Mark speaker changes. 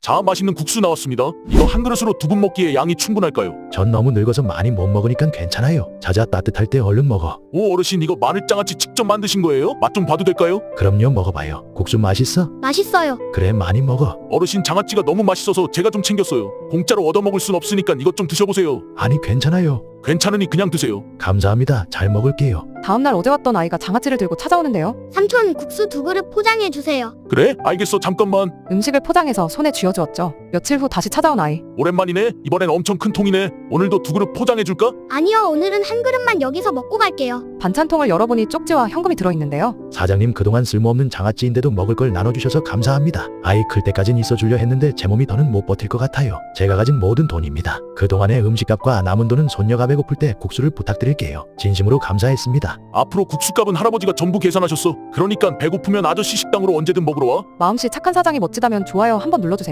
Speaker 1: 자, 맛있는 국수 나왔습니다. 이거 한 그릇으로 두 분 먹기에 양이 충분할까요?
Speaker 2: 전 너무 늙어서 많이 못 먹으니까 괜찮아요. 자자 따뜻할 때 얼른 먹어.
Speaker 1: 오, 어르신 이거 마늘장아찌 직접 만드신 거예요? 맛 좀 봐도 될까요?
Speaker 2: 그럼요, 먹어봐요. 국수 맛있어?
Speaker 3: 맛있어요.
Speaker 2: 그래, 많이 먹어.
Speaker 1: 어르신 장아찌가 너무 맛있어서 제가 좀 챙겼어요. 공짜로 얻어먹을 순 없으니까 이것 좀 드셔보세요.
Speaker 2: 아니, 괜찮아요.
Speaker 1: 괜찮으니 그냥 드세요.
Speaker 2: 감사합니다. 잘 먹을게요.
Speaker 4: 다음날 어제 왔던 아이가 장아찌를 들고 찾아오는데요.
Speaker 3: 삼촌 국수 2그릇 포장해 주세요.
Speaker 1: 그래? 알겠어. 잠깐만.
Speaker 4: 음식을 포장해서 손에 쥐어주었죠. 며칠 후 다시 찾아온 아이.
Speaker 1: 오랜만이네. 이번엔 엄청 큰 통이네. 오늘도 두 그릇 포장해줄까?
Speaker 3: 아니요, 오늘은 한 그릇만 여기서 먹고 갈게요.
Speaker 4: 반찬통을 열어보니 쪽지와 현금이 들어있는데요.
Speaker 2: 사장님, 그동안 쓸모없는 장아찌인데도 먹을 걸 나눠주셔서 감사합니다. 아이 클 때까진 있어주려 했는데 제 몸이 더는 못 버틸 것 같아요. 제가 가진 모든 돈입니다. 그동안의 음식값과 남은 돈은 손녀가 배고플 때 국수를 부탁드릴게요. 진심으로 감사했습니다.
Speaker 1: 앞으로 국수값은 할아버지가 전부 계산하셨어. 그러니까 배고프면 아저씨 식당으로 언제든 먹으러 와.
Speaker 4: 마음씨 착한 사장이 멋지다면 좋아요 한번 눌러주세요.